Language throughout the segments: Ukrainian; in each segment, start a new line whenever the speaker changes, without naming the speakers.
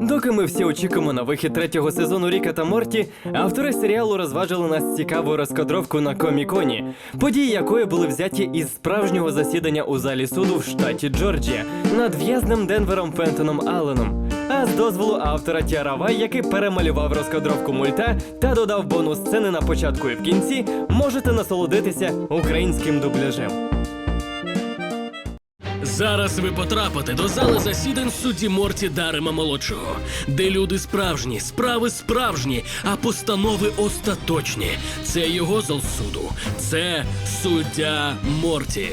Доки ми всі очікуємо на вихід третього сезону Ріка та Морті, автори серіалу розважили нас цікаву розкадровку на Коміконі, події якої були взяті із справжнього засідання у залі суду в штаті Джорджія над в'язнем Денвером Фентоном Алленом. А з дозволу автора Тіара Вай, який перемалював розкадровку мульта та додав бонус сцени на початку і в кінці, можете насолодитися українським дубляжем.
Зараз ви потрапите до зали засідань судді Морті Дарема молодшого, де люди справжні, справи справжні, а постанови остаточні. Це його зал суду. Це суддя Морті.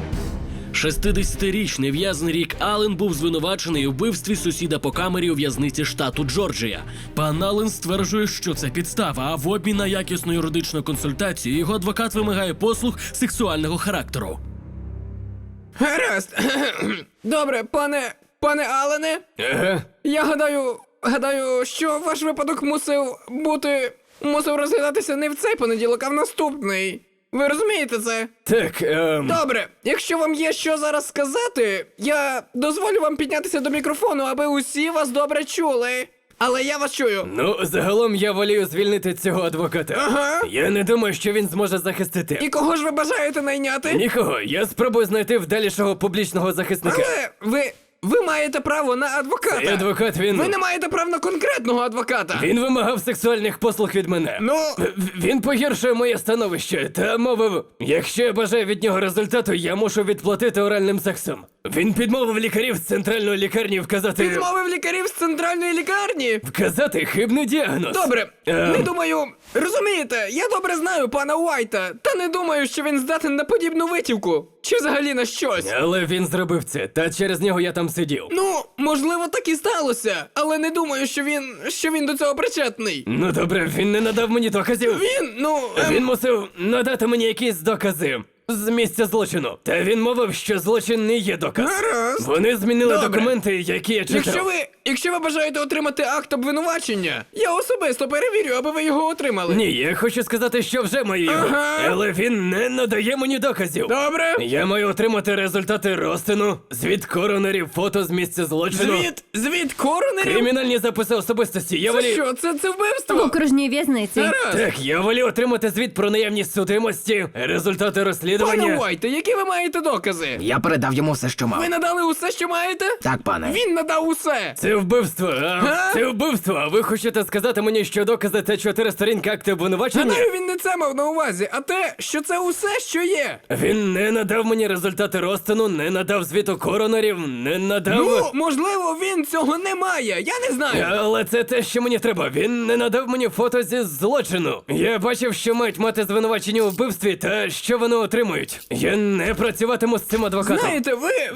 60-річний в'язень Рік Аллен був звинувачений у вбивстві сусіда по камері у в'язниці штату Джорджія. Пан Аллен стверджує, що це підстава, а в обмін на якісну юридичну консультацію його адвокат вимагає послуг сексуального характеру.
Гаразд. Добре, пане Аллене.
Ага.
Я гадаю, що ваш випадок мусив розглядатися не в цей понеділок, а в наступний. Ви розумієте це?
Так,
Добре, якщо вам є що зараз сказати, я дозволю вам піднятися до мікрофону, аби усі вас добре чули. Але я вас чую.
Ну, загалом я волію звільнити цього адвоката.
Ага.
Я не думаю, що він зможе захистити.
І кого ж ви бажаєте найняти?
Нікого, я спробую знайти вдалішого публічного захисника.
Але ви маєте право на адвоката.
Цей адвокат, він...
Ви не маєте права на конкретного адвоката.
Він вимагав сексуальних послуг від мене.
Ну...
Він погіршує моє становище та мовив, якщо я бажаю від нього результату, я мушу відплатити оральним сексом. Він підмовив лікарів з центральної лікарні вказати...
Відмовив лікарів з центральної лікарні?
Вказати хибний діагноз.
Добре, не думаю... Розумієте, я добре знаю пана Уайта, та не думаю, що він здатен на подібну витівку. Чи взагалі на щось.
Але він зробив це, та через нього я там сидів.
Ну, можливо, так і сталося, але не думаю, що він до цього причетний.
Ну добре, він не надав мені доказів. Він мусив надати мені якісь докази з місця злочину. Та він мовив, що злочин не є доказ.
Гаразд.
Вони змінили
Добре.
документи, які я читав.
Якщо ви бажаєте отримати акт обвинувачення, я особисто перевірю, аби ви його отримали.
Ні, я хочу сказати, що вже маю його.
Ага.
Але він не надає мені доказів.
Добре.
Я маю отримати результати розтину, звіт коронерів, фото з місця злочину.
Звіт коронерів?
Кримінальні записи особистості. Я
Це
волію...
що, це
В
вбивство?
окружній в'язниці.
Гаразд.
Так, я волію отримати звіт про наявність судимості, результати
Пане
розслідування.
Уайте, які ви маєте докази?
Я передав йому все, що мав.
Ви надали усе, що маєте?
Так, пане.
Він надав усе.
Це вбивство,
Га?
Це вбивство, а ви хочете сказати мені, що докази це 4 сторінки акти обвинувачення?
Гадаю, він не це мав на увазі, а те, що це усе, що є.
Він не надав мені результати розтину, не надав звіту коронерів, не надав...
Ну, можливо, він цього не має, я не знаю.
Але це те, що мені треба. Він не надав мені фото зі злочину. Я бачив, що мають мати звинувачення у вбивстві та що вони отримують. Я не працюватиму з цим адвокатом.
Знаєте,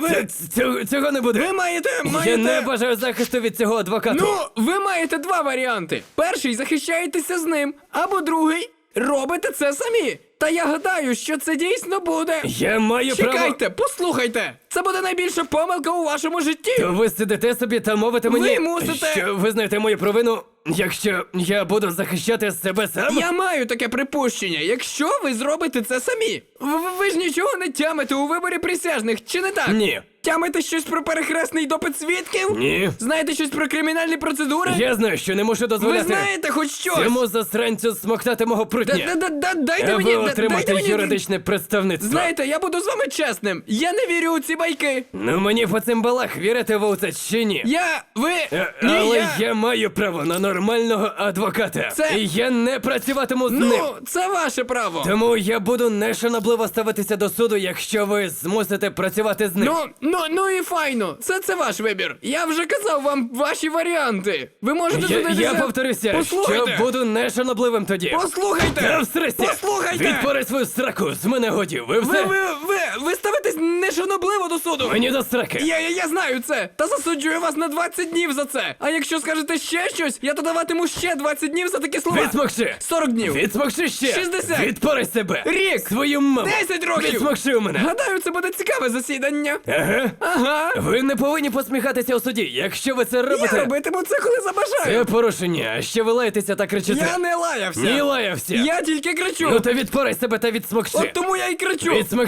Цього не буде.
ви маєте...
Я не бажаю захисту від цього адвоката.
Ну, ви маєте два варіанти. Перший, захищаєтеся з ним, або другий, робите це самі. Та я гадаю, що це дійсно буде.
Я маю право...
Чекайте, послухайте. Це буде найбільша помилка у вашому житті.
То ви сидите собі та мовите мені,
Ви мусите-
що визнаєте мою провину, якщо я буду захищати себе сам?
Я маю таке припущення, якщо ви зробите це самі. Ви ж нічого не тямите у виборі присяжних, чи не так?
Ні.
Тямите щось про перехресний допит свідків?
Ні.
Знаєте щось про кримінальні процедури?
Я знаю, що не можу
Ви
дозволяти
знаєте хоч щось?
цьому засранцю смоктати мого прутня.
Дайте мені,
Аби
дайте
отримати
мені...
юридичне представництво.
Знаєте, я буду з вами чесним. Я не вірю у ці байки.
Ну мені по цим балах вірите ви у це чи ні? Але я маю право на нормального адвоката.
Це-
І я не працюватиму з ним.
Ну, це ваше право.
Тому я буду нешанобливо ставитися до суду, якщо ви змусите працювати з ним.
Ну і файно. Це ваш вибір. Я вже казав вам ваші варіанти. Ви можете судитися...
Я повторюся,
Послухайте.
що буду нешанобливим тоді.
Послухайте!
Та всрися!
Послухайте!
Відпори свою сраку, з мене годі, ви все?
Ви ставитесь нешанобливо до суду!
Мені до сраки!
Я знаю це! Та засуджую вас на 20 днів за це! А якщо скажете ще щось, я додаватиму ще 20 днів за такі слова!
Відсмокши!
40 днів!
Відсмокши ще!
60!
Відпори себе!
Рік!
Свою маму!
10 років!
Відсмокши у мене!
Гадаю, це буде цікаве засідання!
Ага! Ви не повинні посміхатися у суді, якщо ви це робите!
Я робитиму це, коли забажаю!
Це порушення, а ще ви лаєтеся та кричите!
Я не лаявся!
Ні, лаявся!
Я тільки кричу!
Ну то відпори себе та відсмокши!
От тому я й кричу!
Відсмокши у мене!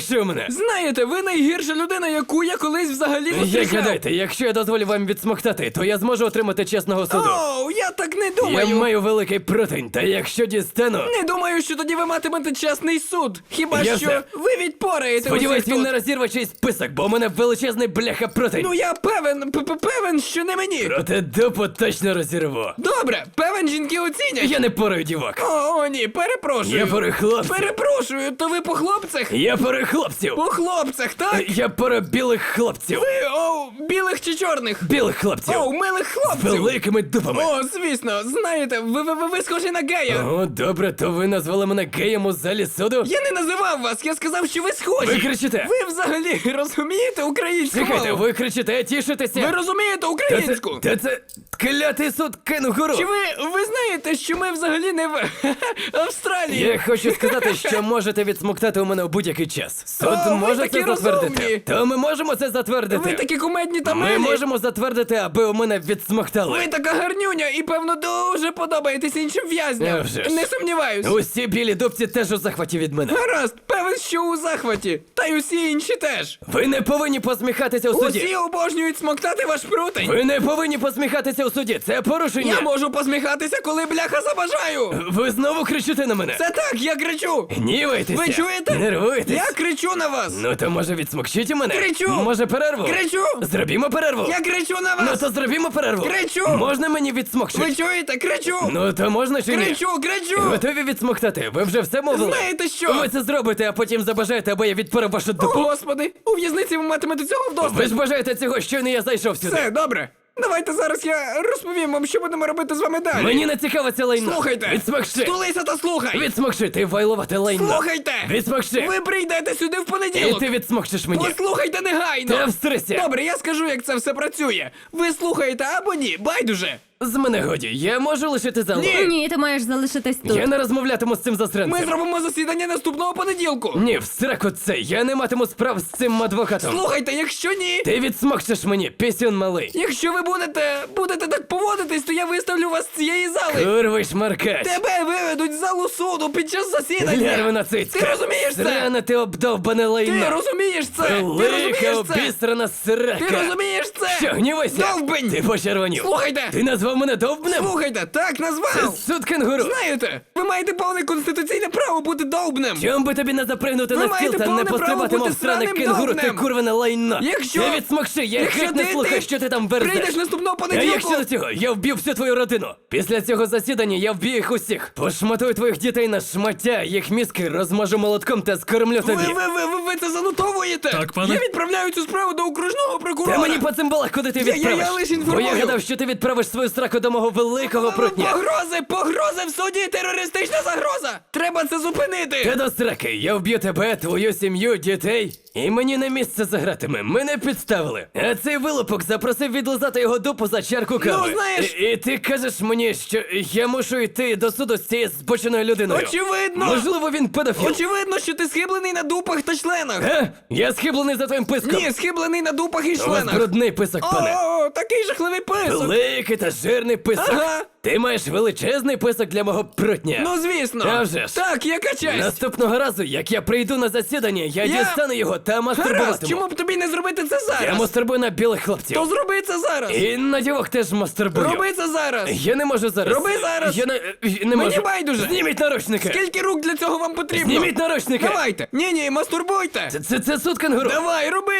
Знаєте, ви найгірша людина, яку я колись взагалі
Як
зустрічав.
гадаєте, якщо я дозволю вам відсмоктати, то я зможу отримати чесного суду.
Оу, я так не
Я
думаю.
маю великий протень, та якщо дістану...
Не думаю, що тоді ви матимете чесний суд. Хіба
Я
що
все.
ви відпораєте
Сподіваюсь,
усіх
він
тут.
не розірве чийсь список, бо у мене величезний бляха протень.
Ну я певен, що не мені.
Проте дупу точно розірву.
Добре, певен, жінки оцінять.
Я не порою дівок.
О, ні, перепрошую.
Я порою хлопців.
Перепрошую, то ви по хлопцях?
Я порою хлопців.
По хлопцях, так?
Я порою білих хлопців.
Білих чи чорних?
Білих хлопців.
Милих
З
хлопців.
великими дупами.
О, звісно, знаєте, ви схожі на гея.
О, добре, то ви назвали мене геєм у залі суду?
Я не називав вас, я сказав, що ви схожі.
Ви кричите.
Ви взагалі розумієте українську
Чекайте,
мову?
ви кричите, тішитеся.
Ви розумієте
Та
українську?
це клятий суд кенгуру.
Чи ви знаєте, що ми взагалі не в Австралії?
Я хочу сказати, що можете відсмоктати у мене у будь-який час. Суд
О, ви
може
такі
це затвердити.
розумні.
То ми можемо це затвердити.
Ви такі кумедні та
Ми
милі.
можемо затвердити, аби у мене відсмоктали.
Ви така гарнюня і, певно, дуже подобаєтесь іншим
А
в'язням.
вже ж.
Не сумніваюсь.
Усі білі дубці теж у захваті від мене.
Гаразд, певен, що у захваті. Та й усі інші теж.
Ви не повинні посміхатися у суді.
Усі обожнюють смоктати ваш прутень.
Ви не повинні посміхатися у суді. Це порушення.
Я можу посміхатися, коли бляха забажаю.
Ви знову кричите на мене.
Це так, я кричу.
Гнівайтеся.
Ви чуєте?
Нервуєтесь.
Я кричу на вас.
Ну то може відсмокчіть у мене?
Кричу.
Може перерву?
Кричу.
Зробімо перерву.
Я кричу на
Ну
вас.
то зробімо перерву.
Кричу.
Можна мені відсмокчити?
Ви чуєте? Кричу.
Ну то можна чи ні?
Кричу.
Готові відсмоктати? Ви вже все мовили?
Знаєте що?
Ви це зробите, а потім забажаєте, або я відпору вашу
О,
дупу.
господи, у в'язниці ви матимете цього вдосталь.
Ви ж бажаєте цього, щойно я зайшов сюди.
Все, добре. Давайте зараз я розповім вам, що будемо робити з вами далі.
Мені не цікаво це лайно.
Слухайте.
Відсмокши.
Стулися та слухай.
Відсмокши, ти вайловате лайно.
Слухайте.
Відсмокши.
Ви прийдете сюди в
І
понеділок.
ти відсмокшиш мені.
Послухайте негайно.
Та встрися.
Добре, я скажу, як це все працює. Ви слухаєте або ні, байдуже.
З мене годі, я можу лишити залу?
Ні, ти маєш залишитись тут.
Я не розмовлятиму з цим засранцем.
Ми зробимо засідання наступного понеділку.
Ні, в сраку це, я не матиму справ з цим адвокатом.
Слухайте, якщо ні,
Ти відсмокчеш мені, пісюн малий.
якщо ви будете так поводитись, то я виставлю вас з цієї зали.
Курвий шмаркач.
Тебе виведуть з залу суду під час засідання.
Лярвина цицька.
Ти розумієш це?
Срана ти обдовбане
Ти
лайно.
розумієш це? Ти
Велика
розумієш це?
обісрана срака.
Ти розумієш це?
Що, гнівайся?
Довбень!
Ти почервонів.
Слухайте!
Ти назвав мене довбнем?
Слухайте, так
Це
назвав!
суд кенгуру.
Знаєте, ви маєте повне конституційне право бути довбнем!
Чом би тобі не запригнути
Ви
на стіл
маєте
та не
повне право
пострибати,
бути
мов сране
сраним
кенгуру, ти
довбнем.
курвене лайно.
Якщо-
Ти відсмокши, я
Якщо
геть не
ти-
слухаю, що ти там верзеш.
Прийдеш наступного
А
понеділку!
якщо до цього, я вб'ю всю твою родину. Після цього засідання я вб'ю їх усіх. Пошматую твоїх дітей на шмаття, їх мізки розмажу молотком та скормлю тобі.
Ви це занотовуєте?
Так, пане.
Я відправляю цю справу до окружного прокурора!
Та мені по цимбалах, куди ти
Я
відправиш.
лише
Бо
інформую.
я гадав, що ти відправиш свою сраку до мого великого прутня.
Погрози в суді, терористична загроза! Треба це зупинити!
Та до сраки, я вб'ю тебе, твою сім'ю, дітей, і мені на місце загратиме. Мене підставили. А цей вилупок запросив відлизати його дупу за чарку кави.
Ну, знаєш-
І ти кажеш мені, що я мушу йти до суду з цією збоченою людиною.
Очевидно!
Можливо, він педофіл.
Очевидно, що ти схиблений на дупах та членах!
Я схиблений за твоїм писком.
Ні, схиблений на дупах і
У вас
членах!
брудний писок, пане.
О, такий жахливий писок!
Великий та жирний писок.
Ага.
Ти маєш величезний писок для мого прутня.
Ну звісно!
А вже ж.
Так, яка честь!
Наступного разу, як я прийду на засідання, я
Я-
дістану його та
Гаразд,
мастурбуватиму.
чому б тобі не зробити це зараз?
Я мастурбую на білих хлопців.
То зроби це зараз!
І на дівок теж мастурбую.
Роби це зараз!
Я не можу зараз.
Роби зараз.
Я не
Мені
можу.
байдуже.
Зніміть наручники.
Скільки рук для цього вам потрібно?
Зніміть наручники.
Давайте! Ні, мастурбуйте!
Це суд кенгуру.
Давай, роби!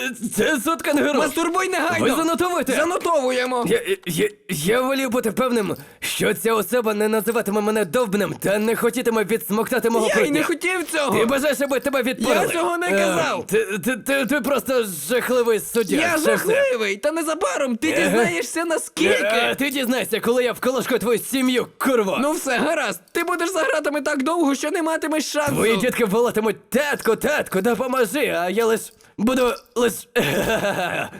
Це суд кенгуру.
Мастурбуй негайно!
Ви занотовуєте?
Занотовуємо!
Я волів бути певним, що ця особа не називатиме мене довбнем та не хотітиме відсмоктати мого
Я й
прутня.
не хотів цього!
Ти бажаєш, аби тебе відпорали?
Я цього не казав.
Ти просто жахливий суддя.
Я
Це все.
жахливий! Та незабаром ти дізнаєшся наскільки!
Ти дізнаєшся, коли я вколошкаю твою сім'ю, курво.
Ну все, гаразд! Ти будеш за гратами так довго, що не матимеш шансу!
Твої дітки волатимуть татку, допоможи, а я буду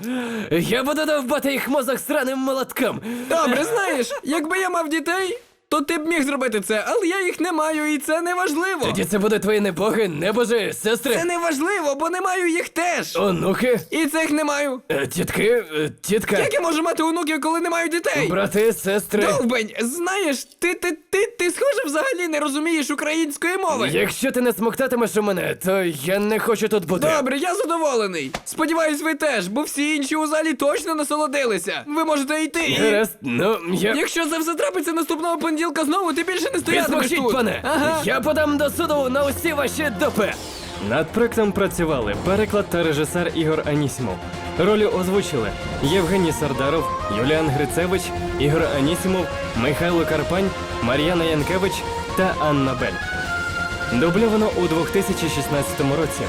Я буду довбати їх мозок сраним молотком.
Добре, знаєш, якби я мав дітей, то ти б міг зробити це, але я їх не маю, і це не важливо.
Тоді це буде твої небоги, небожі, сестри,
Це не важливо, бо не маю їх теж.
онуки,
І цих не маю.
тітки, тітка,
Як я можу мати онуків, коли не маю дітей?
брати, сестри.
Довбень, знаєш, ти схоже взагалі не розумієш української мови.
Якщо ти не смоктатимеш у мене, то я не хочу тут бути.
Добре, я задоволений. Сподіваюсь, ви теж, бо всі інші у залі точно насолодилися. Ви можете йти і...
Гаразд, ну, я...
Якщо це все трапиться наступного понеділка знову, ти більше не стоятимеш
Відмовчіть,
тут.
пане!
Ага.
Я подам до суду на усі ваші допи! Над проектом працювали переклад та режисер Ігор Анісімов. Ролі озвучили Євгеній Сардаров, Юліан Грицевич, Ігор Анісімов, Михайло Карпань, Мар'яна Янкевич та Анна Бель. Дубльовано у 2016 році.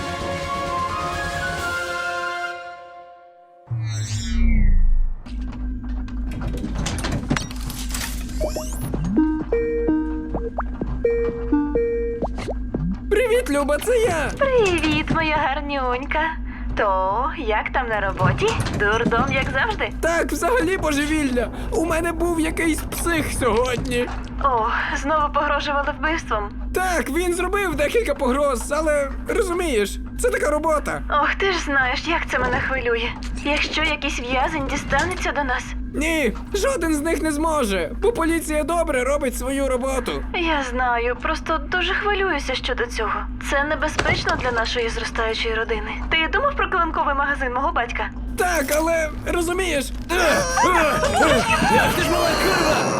Привіт, Люба, це я.
Привіт, моя гарнюнька. То, як там на роботі? Дурдом, як завжди?
Так, взагалі божевілля. У мене був якийсь псих сьогодні.
О, знову погрожували вбивством.
Так, він зробив декілька погроз, але розумієш, це така робота.
Ох, ти ж знаєш, як це мене хвилює. Якщо якийсь в'язень дістанеться до нас.
Ні, жоден з них не зможе, бо поліція добре робить свою роботу.
Я знаю, просто дуже хвилююся щодо цього. Це небезпечно для нашої зростаючої родини. Ти думав про килимковий магазин мого батька?
Так, але розумієш,
Ах ти ж мала курва!